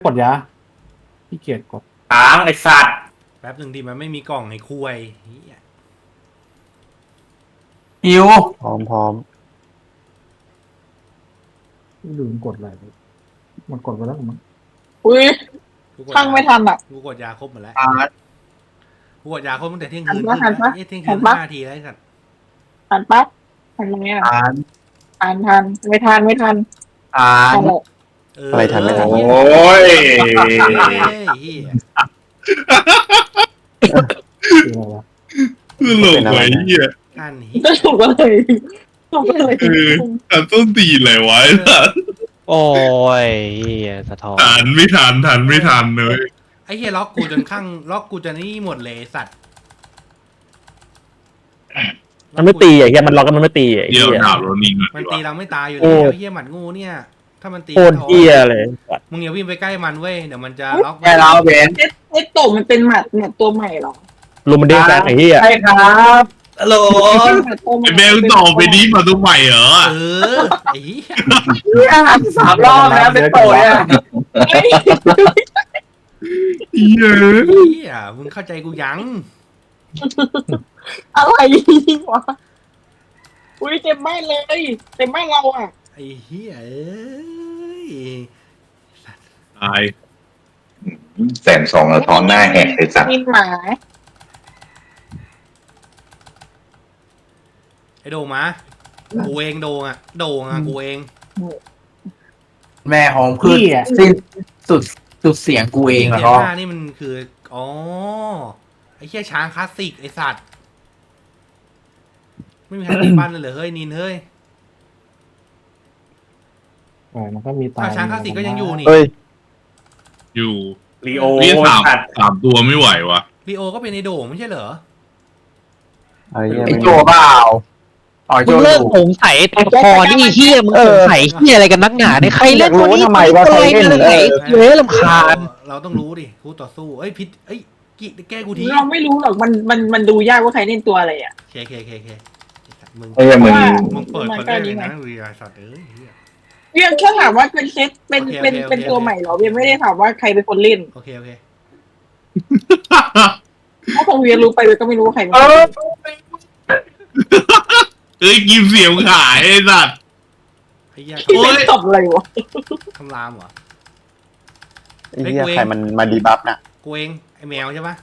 กดยาพี่เกียรกดค้างไอสัตว์แป๊บหนึ่งดิมันไม่มีกล่องไอ้คุยเหี้ยหิวพร้อมพร้อมลืมกดอะไรมันกดไปแล้วมั้งอุ้ยกูกดช่างไม่ทันอ่ะกูกดยาครบหมดแล้วอ่ากูกดยาครบตั้งแต่เที่ยงคืนหันปะเที่ยงหัคืนนปะ 5 นาทีแล้วไอ้สัตว์ทันปะทันไหมอ่ะอ่านทันไม่ทันไม่ทันอ่านทันเลยอะไรทันไม่ทันโอ้ยเหี้ยคืออะไรวะคือหลงไว้เหี้ยกันเหี้ยก็ถูกเลยถูกเลยทันต้นตีนเลยวะไอ้สัสโอ้ยเหี้ยสะท้อนทันไม่ทันเลยไอ้เหี้ยล็อกกูจนข้างล็อกกูจนนี่หมดเลยไอ้สัตว์มันไม่ตีอ่ะเฮียมันล็อกกันมันไม่ตีอ่ะเดี๋ยวเฮียดาบโรนิงก่อนมันดีกตีว่าเราไม่ตายอยู่โอ้แล้วเหี้ยหมัดงูเนี่ย ถ้ามันตีโคตรเฮียเลยมึงอย่าวิ่งไปใกล้มันเว้ยเดี๋ยวมันจะล็อกแกเราเบนเอ็ดโตมันเป็นหมัดเนี่ยตัวใหม่เหรอลุมมันเด้งแซงไอ้เฮียใช่ครับฮัลโหลไอ้เบลตอบไปนี้มาตัวใหม่เหรอเออไอ้เหี้ย 3 รอบแล้วเป็นโตเนี่ยเหี้ยเหี้ยมึงเข้าใจกูยังอะไรวะอุ้ยเต็มบ้านเลยเต็มบ้านเราอ่ะไอ้เหี้ยเอ้ยตาย 120,000แล้วท้องหน้าแหกเลยสัตว์กินหมาไอ้โดงมากูเองโดงอ่ะกูเองแม่ของพืชสิ้นสุดเสียงกูเองเหรเทียอหน้านี่มันคืออ๋อไอ้เหี้ยช้างคลาสสิกไอ้สัตว์ไม่มีใครตีปั้นเลยเหรอเฮ้ยนินเฮ้ยมันก็มีตายอ้าวช้างคลาสสิกก็ยังอยู่นี่เฮ้ยอยู่ลีโอนี่สามสัตว์ตัวไม่ไหววะลีโอก็เป็นไอ้โด่งไม่ใช่เหรอไอ้เฮียไอโจเปล่าอ๋อโจมึงอเลิกยู่สงสัยตัวละครนี่เฮียมึงสงสัยเฮียอะไรกันนักหนาเนี่ยใครเล่นตัวนี้ตัวไหนเย้ลำคาญเราต้องรู้ดิคู่ต่อสู้เอ้ยพิษเอ้ยกิแก้กูทีเราไม่รู้หรอกมันดูยากว่าใครเล่นตัวอะไรอ่ะเคมึงไอ้เหี้ยมึงมึงเปิดคนแรกเลยนะวีไอสัตว์เอ้ยเหี้ยเวียงแค่ถามว่าเป็นเซตเป็นโอเคเป็นโอเคเป็นตัวใหม่เหรอเวียงไม่ได้ถามว่าใครเป็นคนเล่นโอเคถ้าคงเวียงรู้ไปเวียงก็ไม่รู้ว่าใครเป็นเอคนอเล่นเอ้ยกินเสียงขายไอ้สัสไอ้เหี้ยที่เล่นตบอะไรวะคำรามเหรอไอ้เฮียใครมันมาดีบัฟน่ะกูเองไอ้แมวใช่ปะ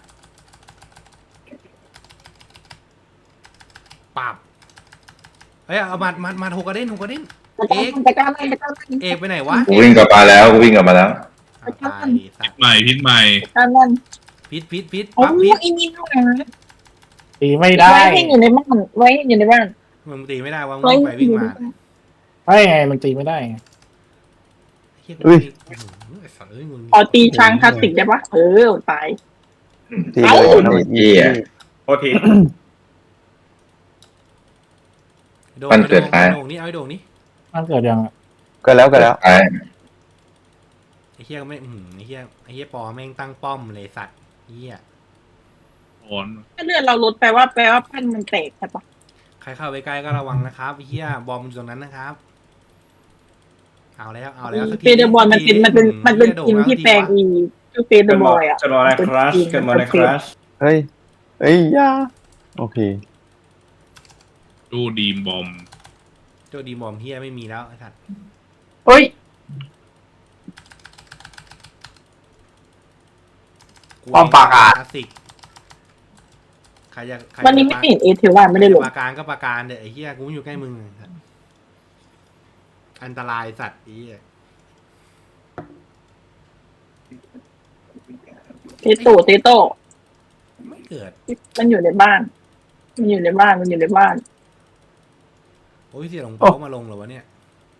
ปราบเอ้ยเอามาหกกระเด้นแต่การเล่นแต่การเล่นเอกไปไหนวะกูวิ่งกลับมาแล้วอ่ะตายสัตว์พิษใหม่การเล่นพิษโอ้ปั๊บพิษยอีนี่ด้วยนะตีไม่ได้ไว้ให้อยู่ในบ้านไว้ให้อยู่ในบ้านมึงตีไม่ได้วะมึไว้งไปให้วิ่งอยู่ในมาบ้านไอ้ไงมันตีไม่ได้ไงเฮียกูตีไอ้สัตว์เอ้ยมึงขอตีช้างคลาสสิกได้ปะตายตีเลยนะเฮียโทษทีโดงมันเกิดไอ้อะไรโดงนี่เอาไอ้โดงนี่มันเกิดยังอะก็แล้วไอ้ไอ้เฮียก็ไม่ไอ้เฮียปอแม่งตั้งป้อมเลยสัตว์เฮียอ่อนถ้าเลือดเราลดแปลว่าพันมันแตกใช่ปะใครเข้าไปใกล้ก็ระวังนะครับไอ้เฮียบอมอยู่ตรงนั้นนะครับเอาแล้วสักทีเฟเดอร์บอลมันเป็นทีมที่แปลงอีชื่อเฟเดอร์บอยอ่ะจะรออะไรครัชกันมาในครัชเฮ้ยยาโอเคดูดีมบอมโจดีบอมเฮียไม่มีแล้วไอ้สัตว์เฮ้ย ป้อมปราการคลาสสิกใครจะวันนี้ไม่เห็นเอเทว่าไม่ได้ลงปราการก็ปราการเด้อไอ้เฮียกูไม่อยู่ใกล้มึงอันตรายสัตว์ไอ้เฮียเตโต้ไม่เกิดมันอยู่ในบ้าน มันอยู่ในบ้านโอ้ยเสียหลงเปามาลงเหรอวะเนี่ย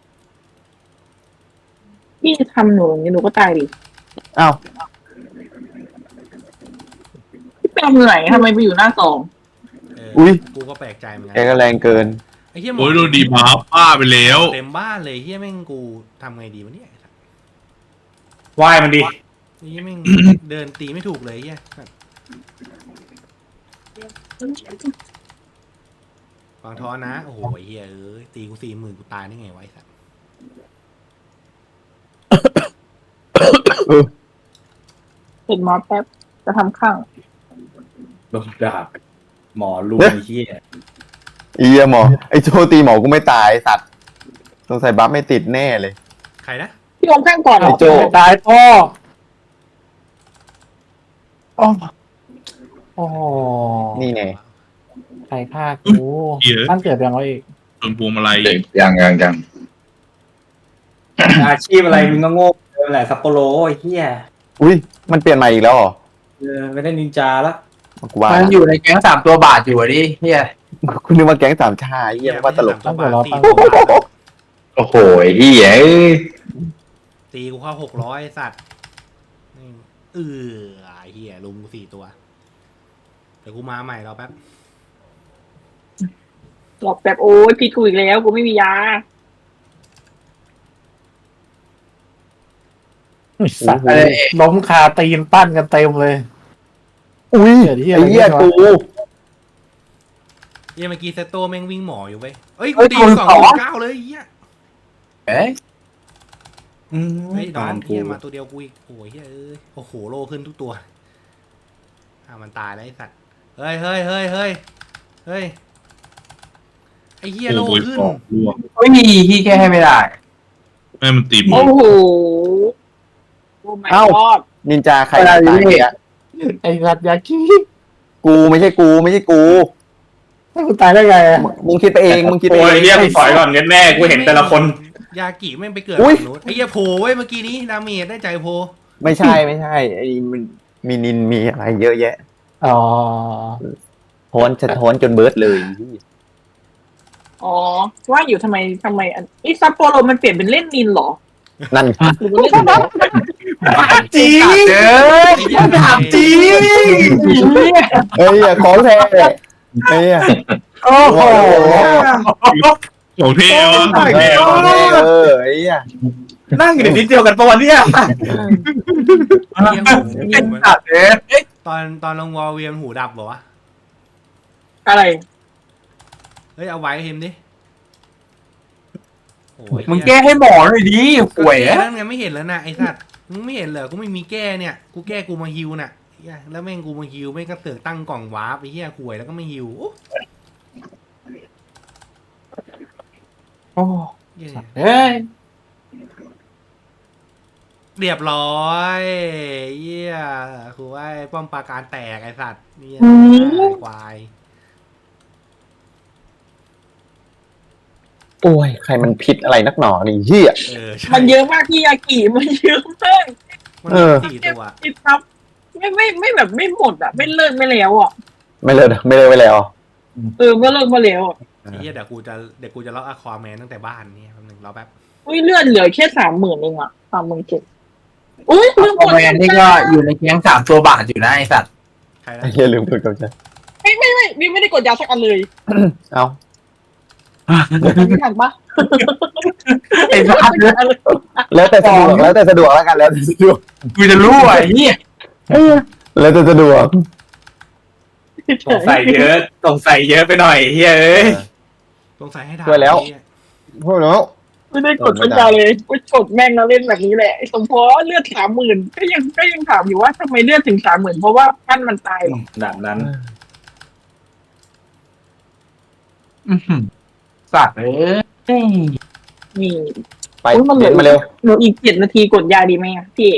พี่ทำหนูอย่างนี้หนูก็ตายดิอ้าวพี่แปลงเหนื่อยทำไมไปอยู่หน้าสองอุ๊ยกูก็แปลกใจเหมือนกัแกก็แรงเกินไอ้เฮียโอ้ยดูดีบัฟป้าไปแล้วเต็มบ้านเลยเฮียแม่งกูทำไงดีวะเนี่ยวายมันดิไอ้เฮียแม่ง เดินตีไม่ถูกเลยเฮียฟังท้อนะโอ้โหเฮียตีกู40,000กูตายได้ไงไวะไอ้สัสเห็นหมอแป๊บจะทำข้างโดนด่าหมอลุงไอ้เหี้ยไอ้เหี้ยหมอไอ้โจตีหมอกูไม่ตายไอ้สัตว์สงสัยบัฟไม่ติดแน่เลยใครนะพี่อมข้างก่อนเหรไอ้อโจตายพ่อโอ้โอ้นี่ไงใครฆ่ากูเหี้ยตั้งเกิดยังไงอีกส่วนพวงมาลัยยังอาชีพอะไรมึงก็โง่แหละซัปโปโรไอ้เหี้ยอุ้ยมันเปลี่ยนใหม่อีกแล้วเหรอไม่ได้นินจาละกูว่ามันอยู่ในแก๊ง3 ตัวบาทอยู่อะดิเหี้ยคุณนึกว่าแก๊งสามชาไอ้เหี้ยว่าตลกตั้งแต่เราตีตั้งโอ้โหเฮียตีกูเข้า600สัตว์ไอ้เหี้ยลุงกู4 ตัวเดี๋ยวกูมาใหม่รอแป๊บหลอกแบบโอ้ยพิษกูอีกแล้วกูไม่มียาสัตว์ล้มคาตีนปั้นกันเต็มเลยอุ้ยเดี๋ยวที่อะไรไอ้เหี้ยเนี่ยกูเหี้ยเมื่อกี้เซตโตแม่งวิ่งหมออยู่เว้ยเอ้ยกูตี2.9เลยไอ้เหี้ยเอ้ยเฮ้ยน้องเหี้ยมาตัวเดียวกูอีกโอ้ยเหี้ยโอ้โหโลขึ้นทุกตัวมันตายแล้วไอ้สัตว์เฮ้ยไอ้เหี้ยโลโอ้ยขึ้นออกร่วงไม่มีที่แก้ให้ไม่ได้แม่มันตีหมโอ้ดโหโอ้ my god นินจาใครตายเนี่ยไอ้สัตว์ยากี้กูไม่ใช่กูให้กูตายได้ไงอะมึงคิดไปเองมึงคิดไปเองแม่กูเห็นแต่ละคนยากิแม่งไปเกิดอุ๊ยฝั่งนู้นไอ้เหี้ยโผล่เว้ยเมื่อกี้นี้ดาเมจได้ใจโผล่ไม่ใช่ไอ้มันมีนินมีอะไรเยอะแยะอ๋อสะท้อนจนเบิร์ดเลยอ๋อว่าอยู่ทำไมอันนี้ซัปโปโรมันเปลี่ยนเป็นเล่นนินเหรอนั่นหรือว่าเล่นอะไรจริงเด้อถามจริงเฮ้ยของแท้เฮ้ยโอ้โหของเทวะของแท้ไอ้เหี้ยนั่งอยู่ในนิดเดียวกันปะวันเนี้ยไอ้เหี้ยหูเป็นมันสัตว์เอ้ยตอนลงวอลเวียนหูดับเหรอวะอะไรเฮ้ยเอาไว้ให้เฮมดิโอ้ยมึงแก้ให้หมอหน่อยดิก็ห่วยแก้อะแล้วไงไม่เห็นแล้วนะไอ้สัตว์มึงไม่เห็นเหรอกูไม่มีแก้เนี่ยกูแก้กูมาฮิวน่ะเหี้ยแล้วแม่งกูมาฮิวแม่งก็เสือกตั้งกล่องวาร์ปไอ้เหี้ยห่วยแล้วก็ไม่ฮิวโอ้โอ้เหี้ยเฮ้ยเรียบร้อยเหี้ยคือว่าไอ้ป้อมปราการแตกไอ้สัตว์เนี่ยอืมควายโอ้ยใครมันพิษอะไรนักหนอนี่เหี้ยใช่มันเยอะมากที่ยากิมันเยอะมากมันมี4 ตัวติดทับไม่แบบไม่หมดอ่ะไม่เลิกไม่แล้วอ่ะไม่เลิกไปแล้วไม่เลิกมาแล้วอะไอ้เหี้ยเดี๋ยวกูจะล็อกอะควาแมนตั้งแต่บ้านเนี่ยแป๊บนึงรอแป๊บอุ้ยเลื่อนเหลือแค่30,000เองอ่ะ37,000อุ้ยลืมโอกดแมนนี่ก็อยู่ในแก๊ง3 ตัวบาทอยู่นะไอสัตว์ใครนะไอ้เหี้ยลืมพูดกับฉันไม่ได้กดยาสักอันเลยเอ้าไม่ทันปะไอ้สัตว์แล้วแต่สะดวกแล้วแต่สะดวกแล้วกันแล้วแต่สะดวกกูจะรู้ไอ้เหี้ยแล้วแต่สะดวกสงสัยเยอะไปหน่อยเฮ้ยเอ้ยสงสัยให้ถามช่วยแล้วไอ้เหี้ยพูดแล้วไม่ได้กดสักยาเลยกูกดแม่งแล้วเล่นแบบนี้แหละสมพอเลือด30,000ก็ยังถามอยู่ว่าทำไมเลือดถึง30,000เพราะว่าท่านมันตายหรอแบบนั้น สัตว์เอ้ยนี่ไปเด็ดมาเร็วหนูอีก7 นาทีกดยาดีไหมอ่ะพี่เอก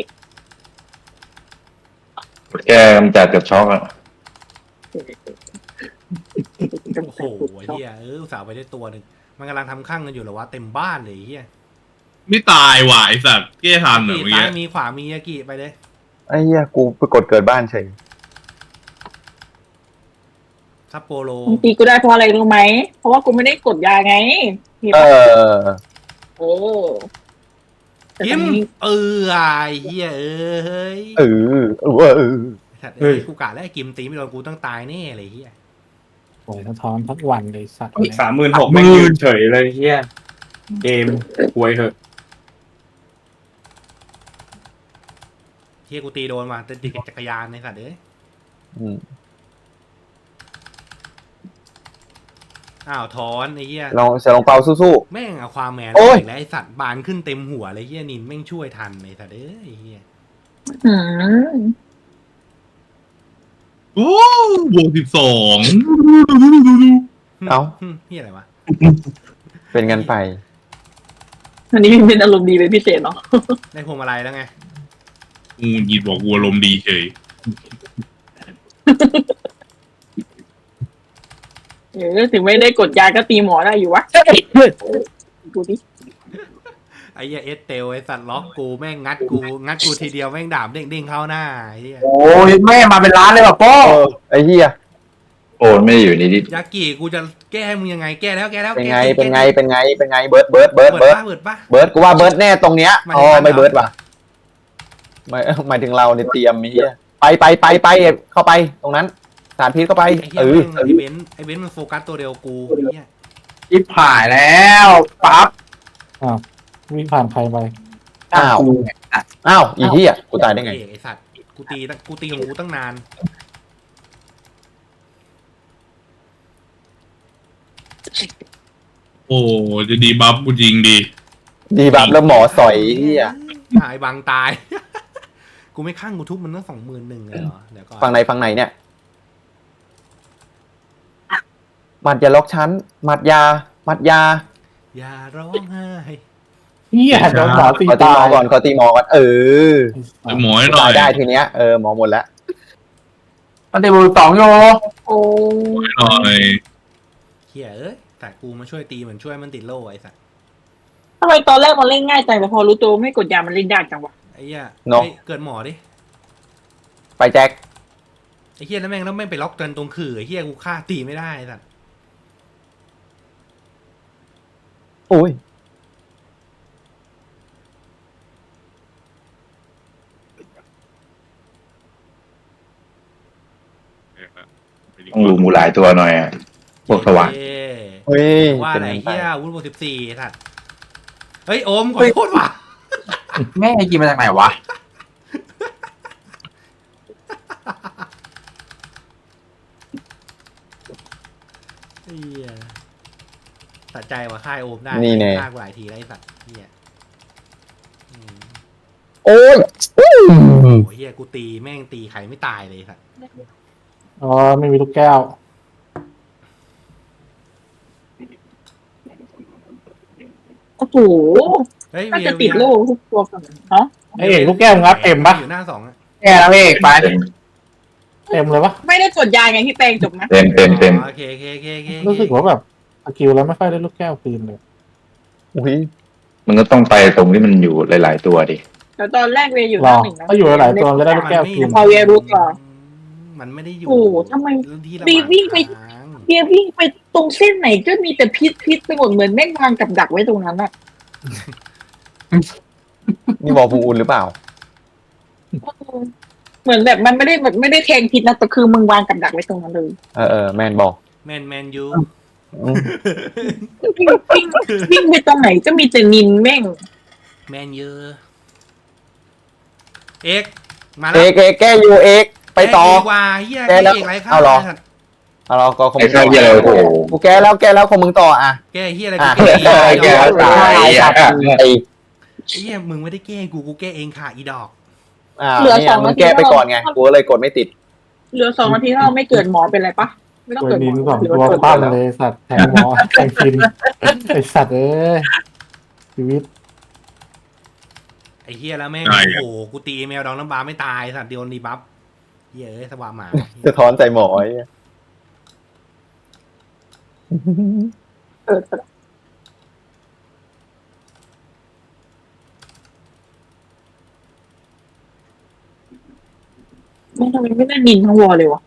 แกกำจัดกับช็อกอะโอ้โหไอ้เหี้ยอุตส่าห์ไปได้ตัวหนึ่งมันกำลังทำข้างกันอยู่เหรอวะเต็มบ้านเลยไอ้เหี้ยไม่ตายว่ะไอสัตว์แก้ทันเหรอเมื่อซ้ากี้ยมีขวามียากิไปเลยไอ้เหี้ยกูไปกดเกิดบ้านเฉยซัปโปโรบางทีกูได้เพราะอะไรรู้ไหมเพราะว่ากูไม่ได้กดยาไงเออแต่กิตอนมนี้ไอ้เหี้ยเออสัตว์เอ้ยกูกะแล้วไอ้กิมตีไม่โดนกูต้องตายแน่เลยไอ้เหี้ยโอ้ยสะท้อนทั้งวันเลยสัตว์ 36,000ไม่ยืนเฉยเลยเฮียเกมป่วยเหอะเหี้ยกูตีโดนมาแต่ติดจักรยานในสัตว์เอ้ย อ้าวถอนไอ้เหี้ยลองเสียลงเปาสู้แม่งเอาความแมนโอ้ยแล้วไอ้สัตว์บานขึ้นเต็มหัวเลยเหี้ยนินแม่งช่วยทันไอ้สัตว์เอ้ยไอ้เหี้ยอืมโอ้บวก12 เอ้าพี่อะไรวะเป็นกันไปอันนี้เป็นอารมณ์ดีเป็นพิเศษเนาะได้พวงมาลัยแล้วไงกูหยิบบอกกูอารมณ์ดีเฉยถึงไม่ได้กดยาก็ตีหมอได้อยู่วะดูดิไอ้เหี้ยเอสเตลไอ้สัตว์ล็อกกูแม่งงัดกูทีเดียวแม่งดาบเด้งเข้าหน้าไอ้เหี้ยโอ้ยแม่มาเป็นล้านเลยว่ะโป้ไอ้เหี้ยโอ้ไม่ได้อยู่ในนี้ยากิกูจะแก้ให้มึงยังไงแก้แล้วเป็นแก้ไงติดเป็นไงแก้ติดเป็นไง เป็นไง เบิร์ดเบิดปะกูว่าเบิร์ดแน่ตรงเนี้ยหมายถึงอ๋อมันเหรอไม่เบิร์ดว่ะไม่หมายถึงเราเนี่ยเตรียมมีเหี้ยไปเข้าไปตรงนั้นสารพิษเข้าไปไอ้เหี้ยแม่งไอ้เบนซ์มันโฟกัสตัวเดียวกูไอ้เหี้ยอิบหายแล้วปั๊บวิ่งผ่านใครไปอ้าว อ้าวอีเหี้ยกูตายได้ไงไอ้สัตว์กูตีของกูตั้งนานโอ้จะดีบัฟกูจริงดีดีบับแล้วหมอสอยเหี้ยหายบังตาย กูไม่ข้างกูทุบมันตั้ง21,000เลยเหรอเดี๋ยวก่อนฝั่งไหนเนี่ยหมัดอย่าล็อกชั้นหมัดยาอย่าร้องไห้เฮียโดนหมอตีขอตีตาหมอย ก่อนขอตีหมอก่อนไอ้หมอให้หน่ตาอย ยได้ทีเนี้ยหมอหมดแล้วมันเดบูสองโยโอ้หน่อยเฮียเอ้ยแต่กูมาช่วยตีเหมือนช่วยมันติดโล่ไอ้สัตว์ทำไมตอนแรกมันเล่นง่ายจังแต่พอรู้ตัวไม่กดยามันเล่นยากจังวะไอ้เหี้ยเนอะฮ้ยเกิดหมอดิไปแจ็คไอ้เฮียแล้วแม่งไปล็อกกันตรงขื่อไอ้เฮียกูฆ่าตีไม่ได้ไอ้สัตว์โอ้ยต้องดูมูหลายตัวหน่อยอะพวกสว่างเย้เฮ้ยว่าเป็นอะไรกันไปเฮียวุ้นบวก14ไอ้สัตว์เฮ้ยโอมขอโทษว่ะแม่กินมาจากไหนวะเฮียสะใจว่ะฆ่าไอ้โอมได้นี่แน่ฆ่ากูหลายทีแล้วไอ้สัตว์เฮียอืมโอ้ยโอ้เฮียกูตีแม่งตีใครไม่ตายเลยไอ้สัตว์อ๋อไม่มีลูกแก้วโอ้โหเฮ้ยน่าเวียจะติดโล่ทุกตัวกันฮะไอ้เอกลูกแก้วงัดเต็มปะอยู่หน้า2อะแย่แล้วเอกไปเต็มเลยปะไม่ได้กดยาไงพี่แปงจบนะเต็มอ๋อโอเครู้สึกว่าแบบสกิลแล้วไม่ค่อยได้ลูกแก้วคืนเลยอุ้ยมันก็ต้องไปตรงที่มันอยู่หลาย ๆ ตัวดิแต่ตอนแรกเวย์อยู่หรน้าอหนึ่งนะถ้าอยู่หลายๆตัวจะได้ลูกแก้วคืนพอเวียรู้ก่อนมันไม่ได้อยู่โอ้โหทำไมที่ระบีวิ่งไปทางเวียวิ่งไปตรงเส้นไหนก็มีแต่พิษไปหมดเหมือนแม่งวางกับดักไว้ตรงนั้นอะนี่บอกภูอุ่นหรือเปล่าเหมือนแบบมันไม่ได้แทงพิษนะแต่คือมึงวางกับดักไว้ตรงนั้นเลยแมนบอกแมนยูอืมวิ่งไปตรงไหนก็มีแต่นินแม่งแมนยูเอกมาแล้เอวกแก้อยู่เอกไปต่อเกว่าเฮียแกแล้วเอกไรข้าเอาเหรอไสัตว์เอาเราก็คงไอ้ข้าวเหี้ยอะไรโอ้โหกูแก้แล้วคงมึงต่ออ่ะแกเฮียอะไรอ่ะกูแก้แกแล้วตายอ่ะไอ้เฮียมึงไม่ได้แก้กูแก้เองค่ะอีดอกเนี่ยมึงแก้ไปก่อนไงกูก็เลยกดไม่ติดเหลือ2 นาทีถ้าเราไม่เกิดหมอเป็นไรปะไม่ต้องตัวเกิดหมนินอสองหรือตัวว่าเกิดปั้นเลยสัตว์แทงหมอแทงคินไอสัตว์เอ้ยชีวิตไอ้เฮียแล้วแม่งใช่โอ้โหกูตีแมวดองน้ำบาไม่ตายสัตว์เดียวนีบัฟเฮียเอ้ยสว่าหมาสะท้อนใส่หมอไอ้เหี้ยเกิดไม่ทำไมไม่ได้นินทั้งวอลเลยวะ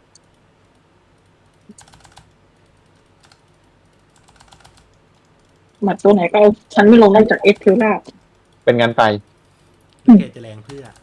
หมัดตัวไหนก็เอาฉันไม่ลงได้จากเอสเทล่าเป็นงานไปแกจะแรงเพื่อ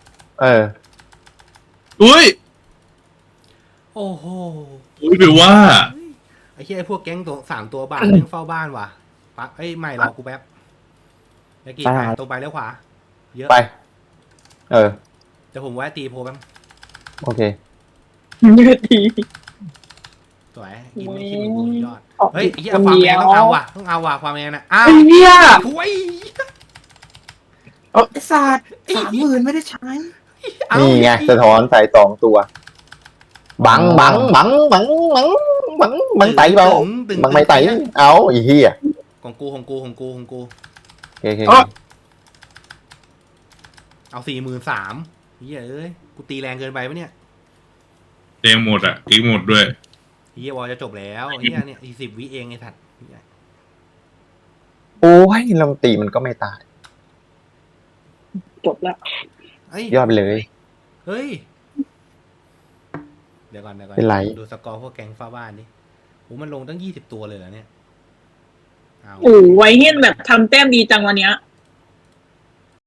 อุ้ยโอ้โหอุ้ยแปลว่าไอ้เหี้ยไอ้พวกแก๊งตัว3 ตัวบ้านแม่งเฝ้าบ้านว่ะปั๊บเอ้ยไม่รอกูแป๊บเมื่อกี้ตรงไปแล้วขวาเยอะไปแต่ผมแวะตีโพแป๊บโอเคยืดทีสวยกินไม่คิดมึงกูยอดเฮ้ยไอ้เหี้ยคนความเดีแมยนวต้องเอาว่ะความแมนนะอ้าวไอ้เหี้ยโอ้ยไอ้สัตว์30,000ไม่ได้ใช้เอ้านี่ไงสะท้อนใส่2 ตัว บังไตเปล่าตึงบังไม่ไตเอาไอ้เหี้ยของกูโอเคเอา43,000เฮียเอ้ยกูตีแรงเกินไปปะเนี่ยเต็มหมดอ่ะอีกหมดด้วยเฮียวอลจะจบแล้วเฮียเนี่ยอีก10 วิเองไอ้สัตว์เหี้ยโอ้ยลำตีมันก็ไม่ตายจบแล้วเฮ้ยยอดไปเลยเฮ้ยเดี๋ยวก่อนเป็นไรดูสกอร์พวกแก๊งฟ้าบ้านดิโอ้มันลงตั้ง20 ตัวเลยเหรอเนี่ยเอาโอ้ไวเฮียนแบบทำแต้มดีจังวันเนี้ย